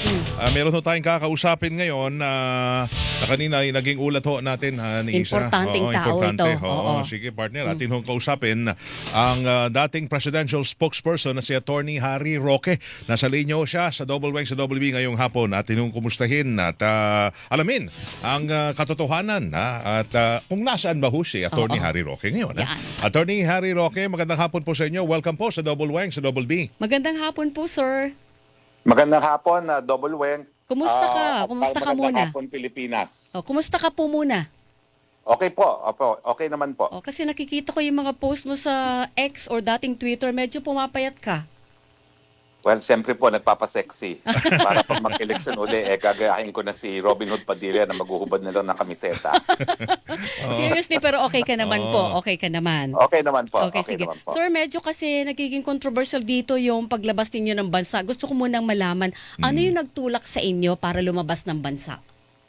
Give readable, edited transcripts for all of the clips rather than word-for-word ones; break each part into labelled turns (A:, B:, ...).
A: Meron ho tayong kakausapin ngayon na kanina ay naging ulat ho natin ni Isa.
B: Importanteng tao
A: importante.
B: ito.
A: Oo, sige partner, atin hong kausapin ang dating presidential spokesperson na si Attorney Harry Roque. Nasa linya ho siya sa Double Wang sa Double B ngayong hapon. Atin hong kumustahin at alamin ang katotohanan at kung nasaan ba ho si Attorney Harry Roque ngayon. Attorney Harry Roque, magandang hapon po sa inyo. Welcome po sa Double Wang sa Double B.
B: Magandang hapon po, sir.
C: Magandang hapon, Double Weng.
B: Kumusta ka? Kumusta ka muna?
C: Magandang hapon, Pilipinas.
B: Kumusta ka po muna?
C: Okay po, opo, okay naman po.
B: Kasi nakikita ko yung mga post mo sa X or dating Twitter, medyo pumapayat ka.
C: Well, siyempre po, nagpapasexy. Para pag mag-election uli, gagayahin ko na si Robin Hood Padilla na maghuhubad na lang ng kamiseta.
B: Seriously, pero okay ka naman po. Okay ka naman.
C: Okay naman po.
B: Okay, sige.
C: Naman po.
B: Sir, medyo kasi nagiging controversial dito yung paglabas ninyo ng bansa. Gusto ko munang malaman, ano yung nagtulak sa inyo para lumabas ng bansa?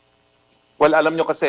C: Well, alam nyo kasi,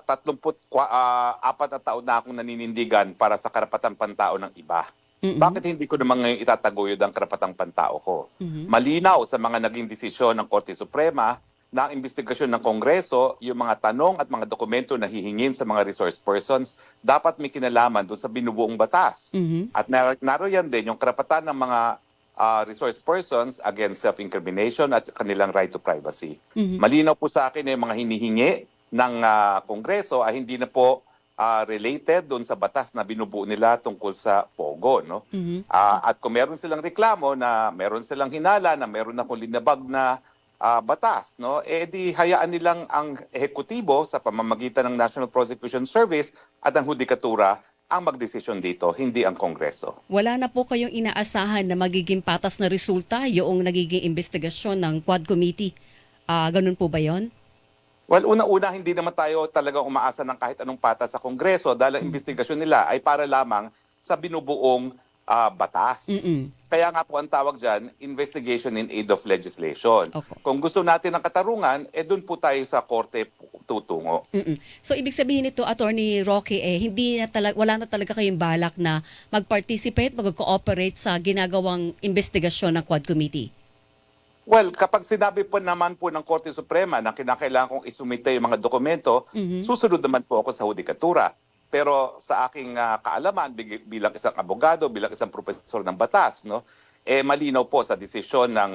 C: 34 na taon na akong naninindigan para sa karapatang pantao ng iba. Bakit hindi ko naman ngayon itataguyod ang karapatang pantao ko? Malinaw sa mga naging desisyon ng Korte Suprema na ang investigasyon ng Kongreso, yung mga tanong at mga dokumento na hihingin sa mga resource persons, dapat may kinalaman doon sa binubuong batas. At naroon din yung karapatan ng mga resource persons against self-incrimination at kanilang right to privacy. Malinaw po sa akin na yung mga hinihingi ng Kongreso ay hindi na po related doon sa batas na binubuo nila tungkol sa POGO. No? At kung meron silang reklamo na meron silang hinala na meron akong linabag na batas, no? Di hayaan nilang ang ehekutibo sa pamamagitan ng National Prosecution Service at ang hudikatura ang magdesisyon dito, hindi ang Kongreso.
B: Wala na po kayong inaasahan na magiging patas na resulta yung nagiging investigasyon ng Quad Committee. Ganun po ba yon?
C: Well, una-una, hindi naman tayo talagang umaasa ng kahit anong patas sa Kongreso dahil ang investigasyon nila ay para lamang sa binubuong batas. Kaya nga po ang tawag dyan, investigation in aid of legislation. Kung gusto natin ng katarungan, doon po tayo sa korte tutungo.
B: So, ibig sabihin nito, Attorney Roque, wala na talaga kayong balak na mag-participate, mag-cooperate sa ginagawang investigasyon ng Quad Committee?
C: Well, kapag sinabi po naman po ng Korte Suprema na kinakailangan kong isumite yung mga dokumento, susunod naman po ako sa hudikatura. Pero sa aking kaalaman bilang isang abogado, bilang isang profesor ng batas, no, malinaw po sa desisyon ng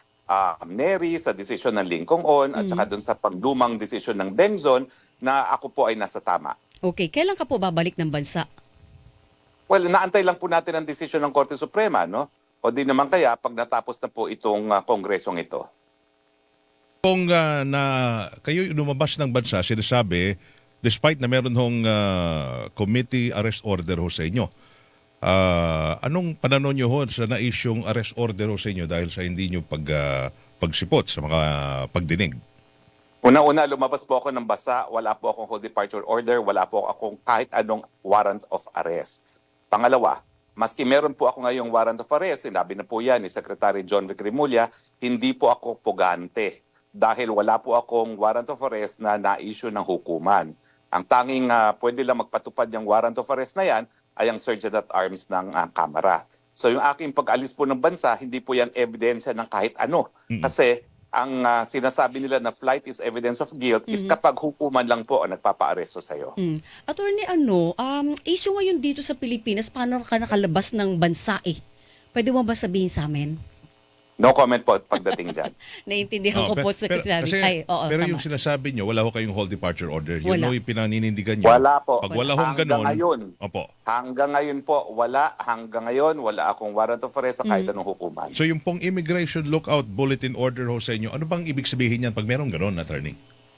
C: Neri, sa desisyon ng Lincoln at saka dun sa pagdumang desisyon ng Bengzon na ako po ay nasa tama.
B: Okay, kailan ka po babalik ng bansa?
C: Well, naantay lang po natin ang desisyon ng Korte Suprema, no? O di naman kaya pag natapos na po itong kongresong ito.
A: Kung kayo lumabas ng bansa, sinasabi, despite na meron hong committee arrest order ho sa inyo, anong pananon nyo ho sa na-isyong arrest order ho sa inyo dahil sa hindi nyo pagsipot sa mga pagdinig?
C: Una-una, lumabas po ako ng bansa, wala po akong hold departure order, wala po akong kahit anong warrant of arrest. Pangalawa, maski meron po ako ngayong warrant of arrest, sinabi na po yan ni Secretary John Vic Remulla, hindi po ako pugante dahil wala po akong warrant of arrest na na-issue ng hukuman. Ang tanging pwede lang magpatupad yung warrant of arrest na yan ay ang Sergeant at Arms ng Kamara. So yung aking pag-alis po ng bansa, hindi po yan ebidensya ng kahit ano. Kasi ang sinasabi nila na flight is evidence of guilt is kapag hukuman lang po ang nagpapa-aresto sa'yo.
B: Attorney, issue ngayon dito sa Pilipinas, paano ka nakalabas ng bansa Pwede mo ba sabihin sa amin?
C: No comment po pagdating dyan.
B: Naiintindihan ko po sa sinabi.
A: Pero yung sinasabi nyo, wala ho kayong hold departure order. Yun ho yung pinaninindigan nyo.
C: Wala po.
A: Pag wala hong ganon,
C: hanggang ngayon po, wala. Hanggang ngayon, wala akong warrant of arrest sa kahit anong hukuman.
A: So yung pong immigration lookout bulletin order ho sa inyo, ano bang ibig sabihin yan pag merong ganon, attorney?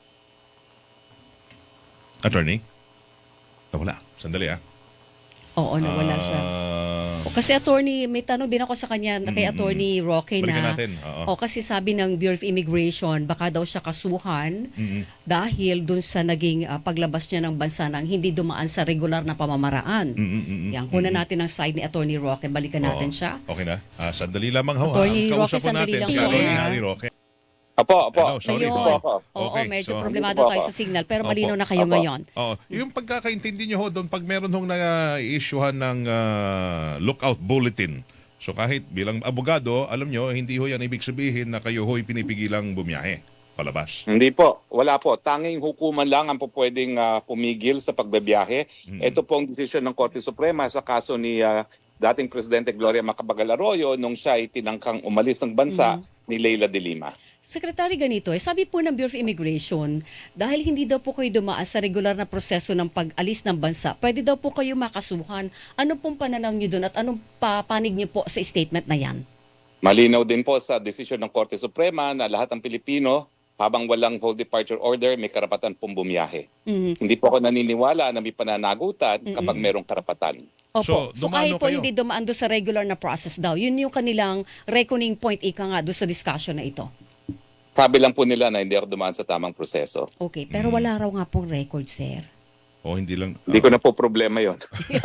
A: Attorney? Nawala. Sandali
B: Oo, nawala siya. Kasi attorney, may tanong din ako sa kanya kay Attorney Roque na. Kasi sabi ng Bureau of Immigration, baka daw siya kasuhan dahil dun sa naging paglabas niya ng bansa nang hindi dumaan sa regular na pamamaraan. Yan, kunan natin ang side ni Attorney Roque. Balikan natin siya.
A: Okay na. Sandali lamang ho.
B: Attorney
A: Kausap
B: Roque,
A: po natin si Attorney Harry Roque.
C: Opo.
A: Hello, sorry po.
B: Oo, medyo problemado tayo sa signal pero malinaw na kayo ngayon.
A: Yung pagkakaintindi nyo ho doon, pag meron hong na-issuehan ng lookout bulletin So kahit bilang abogado, alam nyo, hindi ho yan ibig sabihin na kayo ho'y pinipigilang bumiyahe palabas.
C: Hindi po, wala po. Tanging hukuman lang ang po pwedeng pumigil sa pagbabiyahe. Ito po ang desisyon ng Korte Suprema sa kaso ni dating Presidente Gloria Macapagal Arroyo nung siya ay tinangkang umalis ng bansa ni Leila de Lima.
B: Secretary, ganito sabi po ng Bureau of Immigration, dahil hindi daw po kayo dumaan sa regular na proseso ng pag-alis ng bansa, pwede daw po kayo makasuhan. Ano pong pananaw niyo doon at anong panig niyo po sa statement na yan?
C: Malinaw din po sa desisyon ng Korte Suprema na lahat ng Pilipino, habang walang whole departure order, may karapatan pong bumiyahe. Hindi po ako naniniwala na may pananagutan kapag merong karapatan.
B: Opo. So kahit po
A: kayo?
B: hindi dumaan doon sa regular na process daw, yun yung kanilang reckoning point nga doon sa discussion na ito.
C: Sabi lang po nila na hindi ako dumaan sa tamang proseso.
B: Okay, pero wala raw nga pong record, sir.
A: O hindi lang...
C: Hindi ko na po problema yon.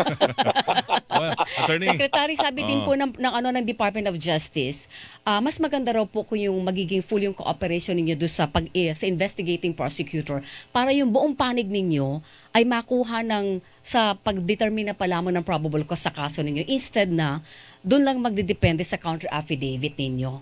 A: Attorney,
B: Secretary, sabi din po ng Department of Justice, mas maganda raw po kung yung magiging full yung cooperation ninyo doon sa sa investigating prosecutor para yung buong panig ninyo ay makuha sa pagdetermine na pala mo ng probable cause sa kaso ninyo instead na doon lang magdidepende sa counter affidavit ninyo.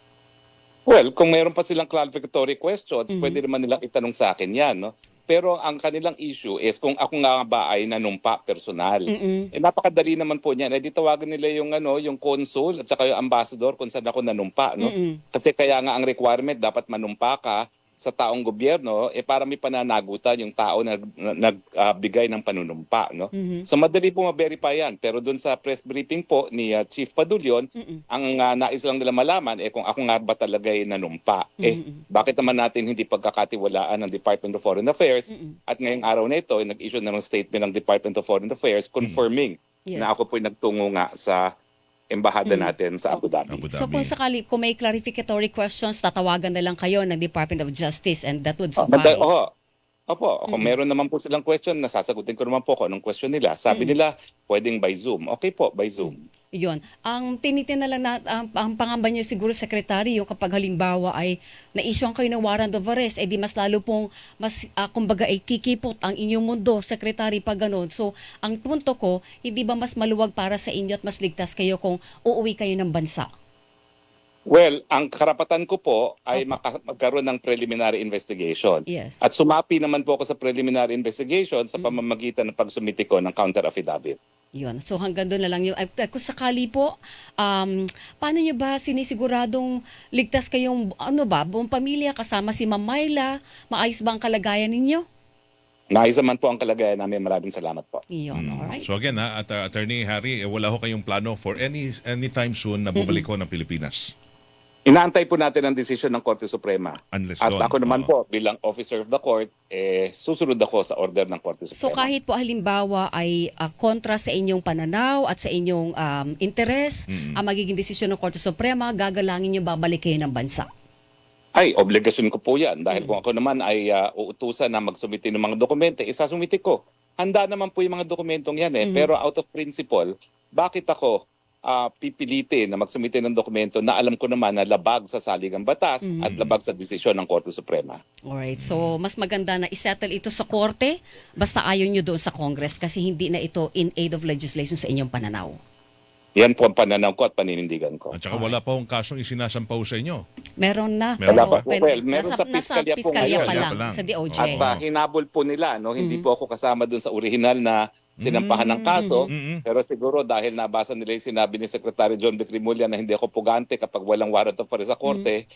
C: Well, kung mayroon pa silang clarificatory questions, pwede naman nilang itanong sa akin yan, no? Pero ang kanilang issue is kung ako nga ba ay nanumpa personal. Napakadali naman po niyan. Di tawagan nila yung consul at saka yung ambassador kung saan ako nanumpa, no? Kasi kaya nga ang requirement dapat manumpa ka sa taong gobyerno para may pananagutan yung tao na nagbigay ng panunumpa, no? So madali po ma-verify yan. Pero doon sa press briefing po ni Chief Padulyon, ang nais lang nila malaman kung ako nga ba talaga ay nanumpa. Bakit naman natin hindi pagkakatiwalaan ng Department of Foreign Affairs at ngayong araw na ito nag-issue na ng statement ng Department of Foreign Affairs confirming na ako po'y nagtungo nga sa embahada natin sa Abu Dhabi.
B: So kung sakali, kung may clarificatory questions, tatawagan na lang kayo ng Department of Justice and that would suffice.
C: Opo, kung meron naman po silang question, nasasagutin ko naman po kung anong question nila. Sabi nila, pwedeng by Zoom. Okay po, by Zoom.
B: Yun. Ang tinitin na lang ang pangamba niyo siguro, Secretary, yung kapag halimbawa ay na-issue kayo ng warrant of arrest, di mas lalo pong, kumbaga ay kikipot ang inyong mundo, Secretary, pag ganun. So, ang punto ko, hindi ba mas maluwag para sa inyo at mas ligtas kayo kung uuwi kayo ng bansa?
C: Well, ang karapatan ko po ay magkaroon ng preliminary investigation.
B: Yes.
C: At sumapi naman po ako sa preliminary investigation sa pamamagitan ng pagsumiti ko ng counter affidavit.
B: Yun. So hanggang doon na lang yun. Kung sakali po, paano nyo ba sinisiguradong ligtas kayong, buong pamilya kasama si Ma'am Myla? Maayos ba ang kalagayan ninyo?
C: Naayos naman po ang kalagayan namin. Maraming salamat po.
B: Yun, alright.
A: So again, Attorney Harry, wala ho kayong plano for anytime soon na bumalik ho ng Pilipinas?
C: Inaantay po natin ang desisyon ng Korte Suprema.
A: Unless
C: At
A: doon,
C: ako naman po, bilang officer of the court, susunod ako sa order ng Korte Suprema.
B: So kahit po halimbawa ay kontra sa inyong pananaw at sa inyong interes, ang magiging desisyon ng Korte Suprema, gagalangin nyo babalik kayo ng bansa.
C: Ay, obligasyon ko po yan. Dahil kung ako naman ay uutusan na magsumiti ng mga dokumente, isasumiti ko. Handa naman po yung mga dokumentong yan Pero out of principle, bakit ako pipilitin na magsumite ng dokumento na alam ko naman na labag sa saligang batas at labag sa desisyon ng Korte Suprema.
B: Alright, so mas maganda na isettle ito sa korte basta ayaw nyo doon sa Congress kasi hindi na ito in aid of legislation sa inyong pananaw.
C: Yan po ang pananaw ko at paninindigan ko.
A: At saka wala pa hong kasong isinasampaw sa inyo.
B: Meron na.
A: Wala
C: pa. Well, meron sa piskalya po
B: piskalya
C: ngayon.
B: pa lang,
A: Pa lang.
B: sa DOJ.
C: At hinabol po nila, hindi po ako kasama dun sa original na sinampahan ng kaso. Pero siguro dahil nabasa nila yung sinabi ni Secretary John B. Crimulia na hindi ako pugante kapag walang warrant of arrest sa korte,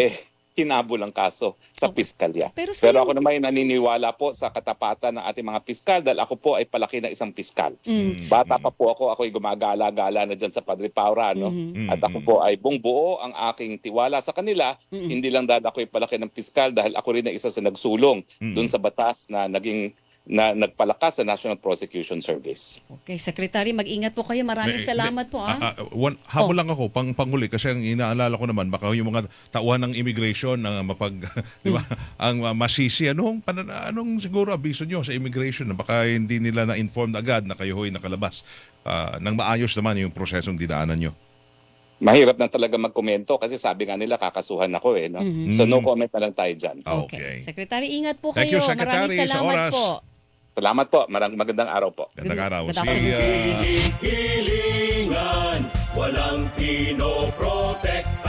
C: hinabol ang kaso sa piskalya.
B: Pero
C: ako naman naniniwala po sa katapatan ng ating mga piskal dahil ako po ay palaki na isang piskal. Bata pa po ako'y gumagala-gala na dyan sa Padre Paura, At ako po ay buo ang aking tiwala sa kanila. Hindi lang dahil ako'y palaki ng piskal dahil ako rin ay isa sa nagsulong dun sa batas na nagpalakas sa National Prosecution Service.
B: Okay, Secretary, mag-ingat po kayo. Maraming salamat po.
A: Habol lang ako, panghuli, kasi ang inaalala ko naman, baka yung mga tauhan ng immigration na di ba, ang masisi, anong siguro abiso nyo sa immigration na baka hindi nila na-informed agad na kayo ho'y nakalabas nang maayos naman yung prosesong dinaanan nyo.
C: Mahirap na talaga magkomento kasi sabi nga nila kakasuhan ako no? So no comment na lang tayo dyan.
B: Okay. Secretary, ingat po
A: Thank
B: kayo.
A: you, Secretary,
B: Maraming
A: sa
B: salamat
A: oras.
B: po.
C: Salamat po. Magandang araw po.
A: Gandang araw.
B: Good afternoon.
A: Si,
D: Hilingan, walang pinoprotektahan.